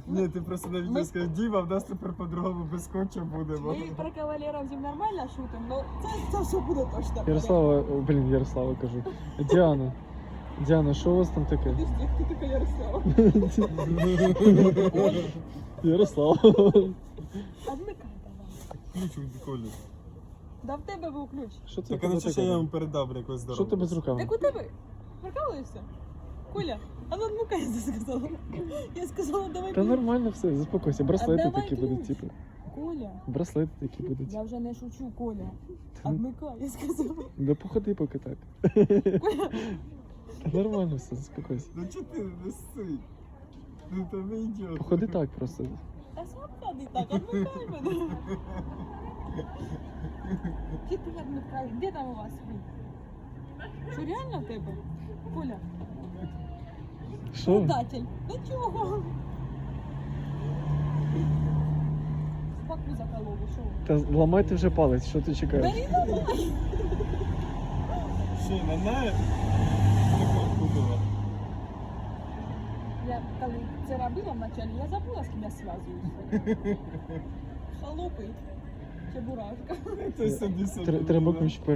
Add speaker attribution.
Speaker 1: Ні, ти просто на відео сказав, Діма, в нас тепер по-другому без скотча буде.
Speaker 2: Ми про кавалерів зім нормально шутимо, але це все буде точно.
Speaker 3: Ярослава кажу. Діана, що у вас там таке?
Speaker 2: Подожди, хто така Ярослава?
Speaker 3: Ярослава.
Speaker 2: А вмикай давай.
Speaker 1: Ключ у Колі.
Speaker 2: Да в тебе був ключ.
Speaker 3: Що це
Speaker 1: Так, а
Speaker 3: тебе
Speaker 1: на що
Speaker 3: таке?
Speaker 1: я вам передав якось
Speaker 3: Що
Speaker 1: здорово?
Speaker 3: тебе з руками?
Speaker 2: Так у тебе прикалуєшся? Коля, а ну вмикай, я сказала. Я сказала, давай
Speaker 3: Та
Speaker 2: ключ.
Speaker 3: нормально все, заспокойся. Браслети
Speaker 2: давай
Speaker 3: такі
Speaker 2: ключ.
Speaker 3: будуть, типу.
Speaker 2: Коля,
Speaker 3: Браслети такі будуть.
Speaker 2: я вже не шучу, Коля. А вмикай, я сказала.
Speaker 3: Да походи поки так.
Speaker 2: Коля,
Speaker 3: Та нормально все, заспокойся.
Speaker 1: Ну чого ти не сси? Ну то не йде.
Speaker 3: Походи так просто.
Speaker 2: а сам ходи так, отвлекай мене. Чи ти відмикаєш? Де там у вас він? Що реально в тебе? Коля,
Speaker 3: Що?
Speaker 2: предатель. Ну чого? Спаку закололи, що?
Speaker 3: Та ламайте вже палець, що ти
Speaker 2: Да
Speaker 3: чекаєш?
Speaker 2: не давай.
Speaker 1: Що, на Кудова?
Speaker 2: Я коли це робила вначале, я забула, з ким я зв'язуюся. Халупи. Чебурашка.
Speaker 1: Це собі
Speaker 3: Треба ключ